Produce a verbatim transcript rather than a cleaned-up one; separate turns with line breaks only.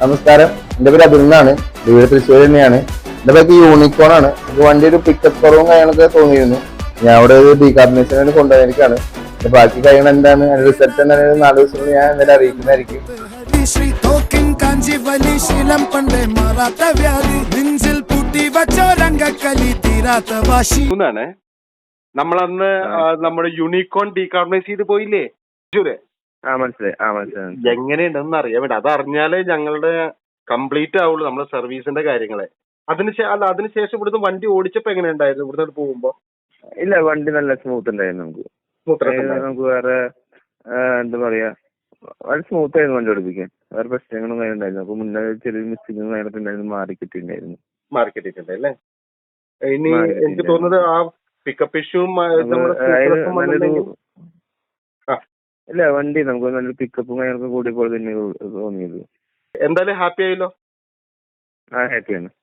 നമസ്കാരം, എന്റെ പേര് അതുൽ എന്നാണ്. വീട് തൃശ്ശൂർ തന്നെയാണ്. എന്റെ പേര് യൂണിക്കോൺ ആണ്. വണ്ടി ഒരു പിക്കപ്പ് കുറവും കാര്യങ്ങളൊക്കെ തോന്നിയിരുന്നു. ഞാൻ അവിടെ ഒരു ഡീകാർബണൈസേഷന് കൊണ്ടുപോയിരിക്കാണ്. ബാക്കി കാര്യങ്ങൾ എന്താണ്, അതിന്റെ റിസൾട്ട് എന്തായാലും നാല് ദിവസം ഞാൻ എന്തായാലും അറിയിക്കുന്നതായിരിക്കും.
നമ്മളന്ന് നമ്മുടെ യൂണിക്കോൺ ഡീകാർബണൈസ് ചെയ്ത് പോയില്ലേ തൃശ്ശൂര്?
ആ മനസ്സിലായി ആ മനസ്സിലായി.
എങ്ങനെയുണ്ടെന്ന് അറിയാൻ വേണ്ടി, അത് അറിഞ്ഞാലേ ഞങ്ങളുടെ കംപ്ലീറ്റ് ആവുള്ളൂ നമ്മുടെ സർവീസിന്റെ കാര്യങ്ങളെ. അതിന് അല്ല അതിനുശേഷം ഇവിടുന്ന് വണ്ടി ഓടിച്ചപ്പോ എങ്ങനെയുണ്ടായിരുന്നു ഇവിടുന്ന് പോകുമ്പോ?
ഇല്ല, വണ്ടി നല്ല സ്മൂത്ത് ഉണ്ടായിരുന്നു. നമുക്ക് നമുക്ക് വേറെ എന്താ പറയാ, വളരെ സ്മൂത്ത് ആയിരുന്നു വണ്ടി ഓടിപ്പിക്കാൻ. വേറെ പ്രശ്നങ്ങളും കാര്യം ഉണ്ടായിരുന്നു. അപ്പൊ മുന്നേ ചെറിയ മിസ്റ്റേക്കും കാര്യങ്ങളൊക്കെ ഉണ്ടായിരുന്നു, മാറി കിട്ടിയിട്ടുണ്ടായിരുന്നു.
മാറി കിട്ടിയിട്ടുണ്ട് അല്ലേ? ഇനി എനിക്ക് തോന്നുന്നത് ആ പിക്കപ്പ് ഇഷ്യൂ
ഇല്ല, വണ്ടി നമുക്ക് നല്ലൊരു പിക്കപ്പും കാര്യങ്ങളൊക്കെ കൂടിയപ്പോൾ തന്നെ തോന്നിയത്.
എന്തായാലും ഹാപ്പി ആയല്ലോ.
ആ ഹാപ്പിയാണ്.